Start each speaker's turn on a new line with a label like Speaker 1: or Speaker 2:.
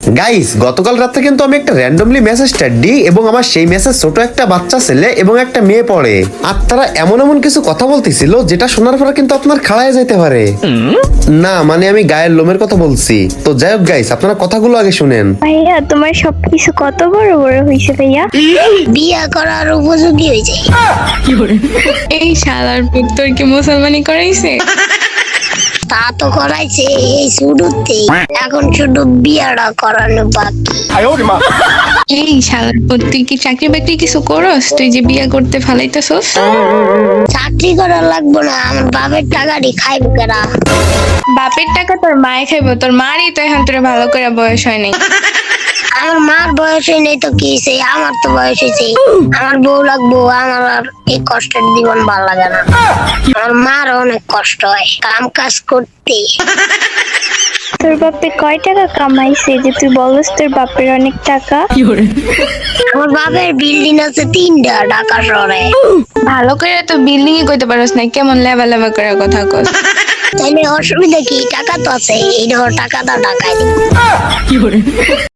Speaker 1: Guys, গতকাল রাতে কিন্তু আমি একটা র্যান্ডমলি মেসেজটা দিই এবং আমার সেই মেসেজ ছোট একটা বাচ্চা ছেলে এবং একটা মেয়ে পড়ে, আর তারা এমন এমন কিছু কথা বলতেছিল যেটা শোনার পরে কিন্তু আপনার খাড়ায় যেতে পারে। না মানে আমি গায়ের লোমের কথা বলছি। তো যাই হোক গাইস, আপনারা কথাগুলো আগে শুনেন।
Speaker 2: ভাইয়া তোমার সবকিছু কত বড় বড় হয়েছে ভাইয়া।
Speaker 3: বিয়া করার উপযোগী হয়ে যায়।
Speaker 4: এই শালার পুত তোর কি মুসলমানি করাইছে?
Speaker 3: তা তো করাইছে এই শুরুতেই, এখন শুধু বিয়াটা করানো বাকি।
Speaker 4: এই শালার পুত তুই কি চাকরি বাকরি কিছু করস? তুই যে বিয়া করতে ফালাইতেছস?
Speaker 3: চাকরি করা লাগবো না, আমার বাপের টাকাটি খাইব কেনা।
Speaker 4: বাপের টাকা তোর মায়ে খাইবো, তোর মারই তো এখন তোর ভালো করে বয়স হয় নাই।
Speaker 3: আমার মার বয়স হয় নাই তো কি হয়েছে, আমার তো বয়স হয়েছে। আমার বউ লাগবো, আমার আর এই কষ্টের জীবন ভালো লাগে না। আমার মার অনেক কষ্ট হয় কাম কাজ করতে।
Speaker 2: তোর বাপে কয় টাকা কামাইছে যে তুই বলস তোর বাপের অনেক টাকা?
Speaker 3: আমার বাপের বিল্ডিং আছে 3টা ঢাকা শহরে।
Speaker 4: ভালো করে তো বিল্ডিং এ কইতে পারস না, কেমন লেবা লেবা করে কথা কস।
Speaker 3: তাইলে অসুবিধা কি, টাকা তো আছে, এই ধর টাকাটা ঢাকায় দিব।